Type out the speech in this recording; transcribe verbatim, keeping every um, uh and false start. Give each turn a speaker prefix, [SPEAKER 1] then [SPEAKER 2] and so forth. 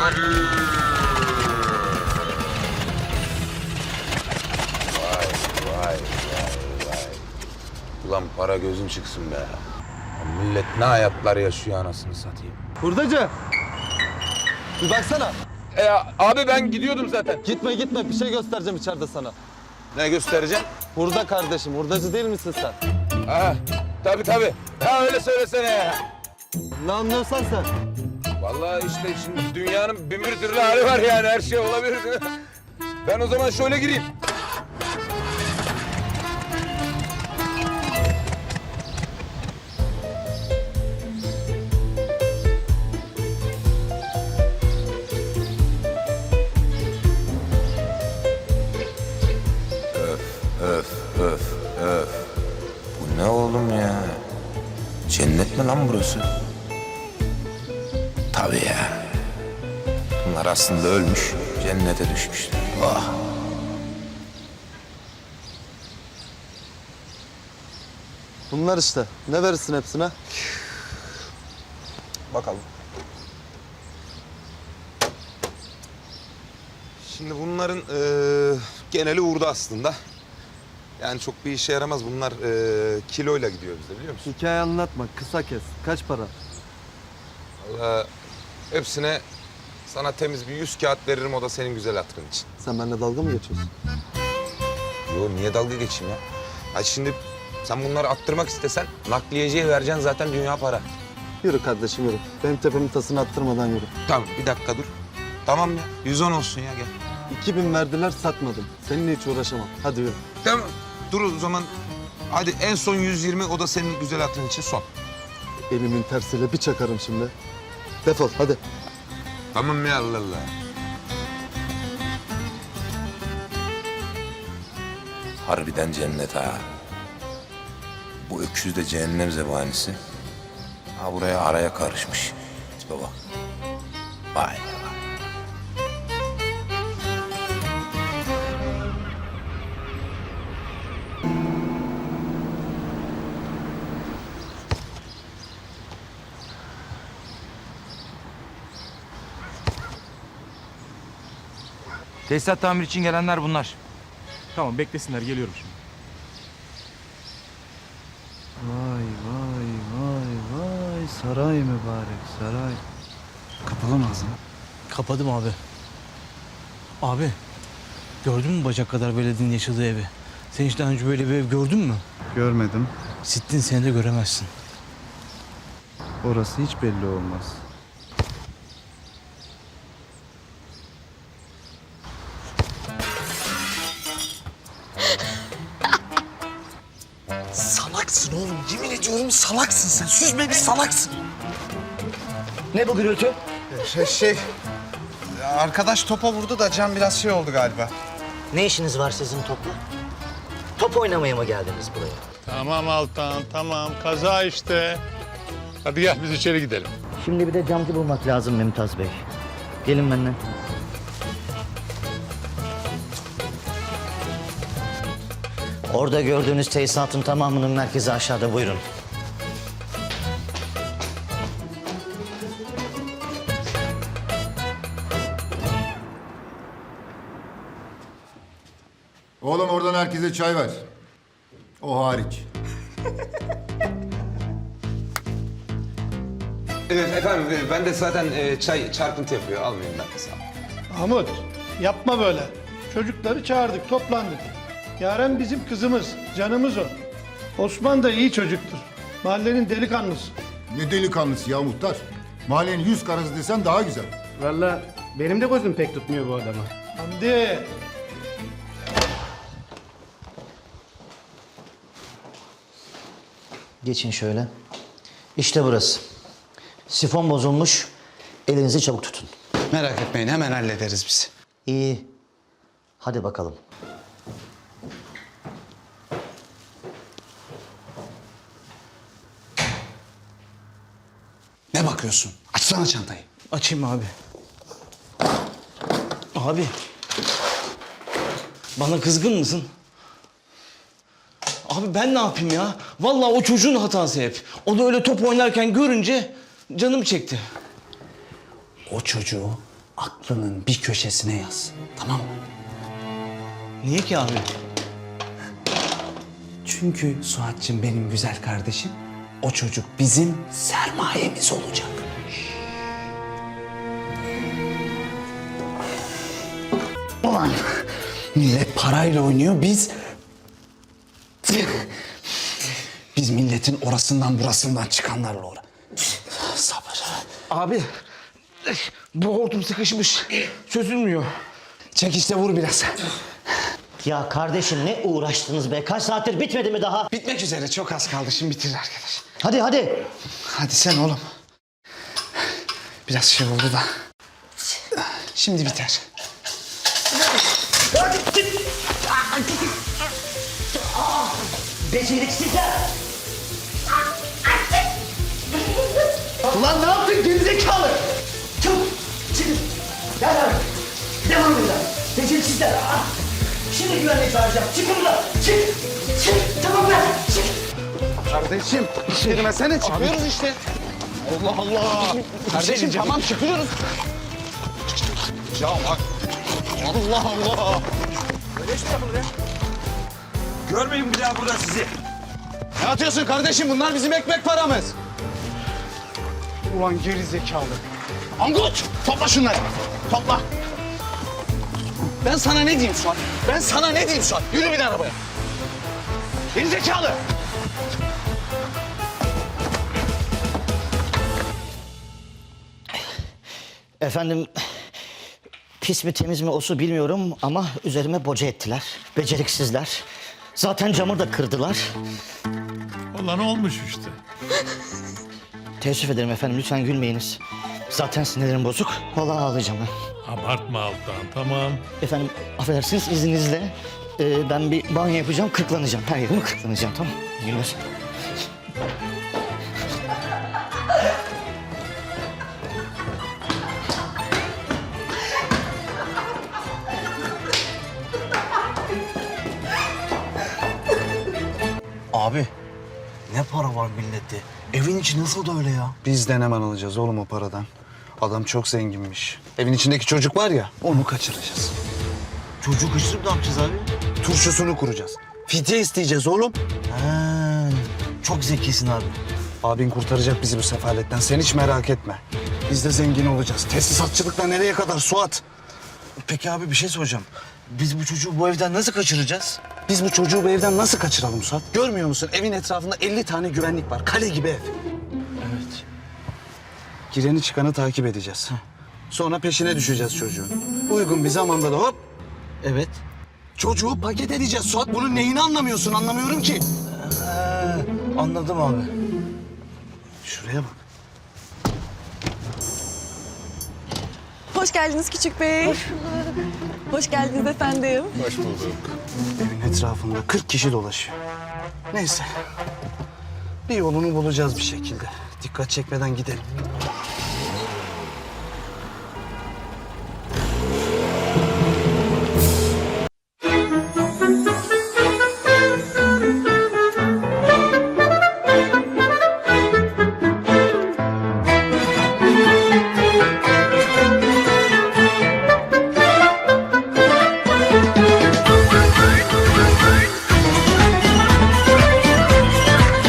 [SPEAKER 1] Vay vay vay. Ulan para gözün çıksın be. Ya millet ne hayatlar yaşıyor anasını satayım.
[SPEAKER 2] Hurdacı. Bir baksana.
[SPEAKER 1] E abi ben gidiyordum zaten.
[SPEAKER 2] Gitme gitme, bir şey göstereceğim içeride sana.
[SPEAKER 1] Ne göstereceğim?
[SPEAKER 2] Hurda kardeşim, hurdacı değil misin sen?
[SPEAKER 1] Ha tabii tabii. Ha öyle söylesene ya.
[SPEAKER 2] Ne anlıyorsan sen.
[SPEAKER 1] Vallahi işte şimdi dünyanın bin bir türlü hali var yani her şey olabilir. Ben o zaman şöyle gireyim. Öf, öf, öf. Bu ne oğlum ya? Cennet mi lan burası? Tabii ya. Bunlar aslında ölmüş, cennete düşmüşler. Vah.
[SPEAKER 2] Bunlar işte. Ne verirsin hepsine?
[SPEAKER 1] Bakalım. Şimdi bunların eee geneli uğurda aslında. Yani çok bir işe yaramaz. Bunlar eee kiloyla gidiyor bizde biliyor musun?
[SPEAKER 2] Hikaye anlatma, kısa kes. Kaç para?
[SPEAKER 1] Vallahi hepsine sana temiz bir yüz kağıt veririm o da senin güzel hatırın için.
[SPEAKER 2] Sen benimle dalga mı geçiyorsun?
[SPEAKER 1] Yo niye dalga geçeyim ya? Ha şimdi sen bunları attırmak istesen nakliyeciye vereceksin zaten dünya para.
[SPEAKER 2] Yürü kardeşim yürü. Benim tepemin tasını attırmadan yürü.
[SPEAKER 1] Tamam bir dakika dur. Tamam ya yüz on olsun ya gel.
[SPEAKER 2] İki bin verdiler, satmadım. Seninle hiç uğraşamam. Hadi yürü.
[SPEAKER 1] Tamam dur o zaman. Hadi en son yüz yirmi o da senin güzel hatırın için son.
[SPEAKER 2] Elimin tersiyle bir çakarım şimdi. Defol hadi.
[SPEAKER 1] Tamam ya Allah Allah. Harbiden cennet ha. Bu öküz de cehennem zebanisi. Ha buraya araya karışmış. Tipe bak. Vay be vay.
[SPEAKER 3] Tesisat tamir için gelenler bunlar.
[SPEAKER 4] Tamam beklesinler geliyorum şimdi.
[SPEAKER 5] Vay vay vay vay saray mübarek saray. Kapalı mı ağzını?
[SPEAKER 6] Kapadım abi. Abi, gördün mü bacak kadar beledinin yaşadığı evi? Sen hiç daha önce böyle bir ev gördün mü?
[SPEAKER 5] Görmedim.
[SPEAKER 6] Sittin seni de göremezsin.
[SPEAKER 5] Orası hiç belli olmaz.
[SPEAKER 7] Salaksın oğlum. Yemin ediyorum salaksın sen. Süzme bir salaksın. Ne bu gürültü?
[SPEAKER 8] Şey, şey, arkadaş topa vurdu da can biraz şey oldu galiba.
[SPEAKER 7] Ne işiniz var sizin topla? Top oynamaya mı geldiniz buraya?
[SPEAKER 9] Tamam Altan, tamam. Kaza işte. Hadi gel biz içeri gidelim.
[SPEAKER 7] Şimdi bir de camcı bulmak lazım Mümtaz Bey. Gelin benimle. Orada gördüğünüz tesisatın tamamının merkezi aşağıda, buyurun.
[SPEAKER 10] Oğlum oradan herkese çay ver. O hariç.
[SPEAKER 1] Evet efendim ben de zaten e, çay çarpıntı yapıyor. Almayayım ben de sağ ol.
[SPEAKER 11] Mahmut, yapma böyle. Çocukları çağırdık, toplandık. Yaren bizim kızımız, canımız o. Osman da iyi çocuktur. Mahallenin delikanlısı.
[SPEAKER 10] Ne delikanlısı ya muhtar. Mahallenin yüz karası desen daha güzel.
[SPEAKER 5] Vallahi benim de gözüm pek tutmuyor bu adamı.
[SPEAKER 11] Hamdi,
[SPEAKER 7] Geçin şöyle. İşte burası. Sifon bozulmuş. Elinizi çabuk tutun.
[SPEAKER 8] Merak etmeyin hemen hallederiz biz.
[SPEAKER 7] İyi. Hadi bakalım.
[SPEAKER 8] Ne bakıyorsun? Açsana çantayı.
[SPEAKER 6] Açayım abi. Abi, bana kızgın mısın? Abi ben ne yapayım ya? Vallahi o çocuğun hatası hep. O da öyle top oynarken görünce canım çekti.
[SPEAKER 7] O çocuğu aklının bir köşesine yaz. Tamam mı?
[SPEAKER 6] Niye ki abi?
[SPEAKER 7] Çünkü Suat'cığım benim güzel kardeşim, o çocuk bizim sermayemiz olacak. Ulan millet parayla oynuyor, biz... Biz milletin orasından burasından çıkanlarla uğra. Sabır.
[SPEAKER 6] Abi bu hortum sıkışmış. Çözülmüyor.
[SPEAKER 7] Çek işte, vur biraz.
[SPEAKER 12] Ya kardeşim ne uğraştınız be? Kaç saattir bitmedi mi daha?
[SPEAKER 7] Bitmek üzere, çok az kaldı, şimdi bitirir arkadaş.
[SPEAKER 12] Hadi hadi.
[SPEAKER 7] Hadi sen oğlum. Biraz şey oldu da. Şimdi biter.
[SPEAKER 12] Beceriksizler. Ulan ne yaptın gerizekalı? Çabuk çıkın. Gel abi. Devam edin. Beceriksizler. Ah. Şimdi güvenlik çağıracağım. Çıkın buradan. Çık. Çık. Tamam be. Çık.
[SPEAKER 7] Kardeşim, girmesene, çıkıyoruz işte. Allah Allah. Kardeşim tamam, çıkıyoruz. Ya bak. Allah Allah.
[SPEAKER 3] Görmeyin bir daha burada sizi.
[SPEAKER 7] Ne atıyorsun kardeşim? Bunlar bizim ekmek paramız. Ulan geri zekalı. Angut! Topla şunları. Topla. Ben sana ne diyeyim Suat? Ben sana ne diyeyim Suat? Yürü bin arabaya. Geri zekalı.
[SPEAKER 12] Efendim pis mi temiz mi o su bilmiyorum ama üzerime boca ettiler. Beceriksizler. Zaten camı da kırdılar.
[SPEAKER 9] Olan olmuş işte.
[SPEAKER 12] Teessüf ederim efendim, lütfen gülmeyiniz. Zaten sinirlerim bozuk. Vallahi ağlayacağım ben.
[SPEAKER 9] Abartma Altan, tamam.
[SPEAKER 12] Efendim affedersiniz, izninizle e, ben bir banyo yapacağım, kırklanacağım. Her yerimi kırklanacağım, tamam mı? İyi günler.
[SPEAKER 5] Abi ne para var millette? Evin içi nasıl da öyle ya?
[SPEAKER 7] Biz de hemen alacağız oğlum o paradan. Adam çok zenginmiş. Evin içindeki çocuk var ya, onu kaçıracağız.
[SPEAKER 5] Çocuk ışırıp ne yapacağız abi?
[SPEAKER 7] Turşusunu kuracağız. Fidye isteyeceğiz oğlum.
[SPEAKER 5] Ha, çok zekisin abi.
[SPEAKER 7] Abin kurtaracak bizi bu sefaletten. Sen hiç merak etme. Biz de zengin olacağız. Tesisatçılıkla nereye kadar Suat?
[SPEAKER 5] Peki abi bir şey soracağım. Biz bu çocuğu bu evden nasıl kaçıracağız?
[SPEAKER 7] Biz bu çocuğu bu evden nasıl kaçıralım Suat? Görmüyor musun? Evin etrafında elli tane güvenlik var. Kale gibi ev.
[SPEAKER 5] Evet.
[SPEAKER 7] Gireni çıkanı takip edeceğiz. Sonra peşine düşeceğiz çocuğun. Uygun bir zamanda da hop
[SPEAKER 5] Evet.
[SPEAKER 7] çocuğu paket edeceğiz Suat. Bunun neyini anlamıyorsun? Anlamıyorum ki.
[SPEAKER 5] Ha, anladım abi.
[SPEAKER 7] Şuraya bak.
[SPEAKER 13] Hoş geldiniz küçük bey. Hoş bulduk. Hoş geldiniz efendim.
[SPEAKER 7] Evin etrafında kırk kişi dolaşıyor. Neyse. Bir yolunu bulacağız bir şekilde. Dikkat çekmeden gidelim.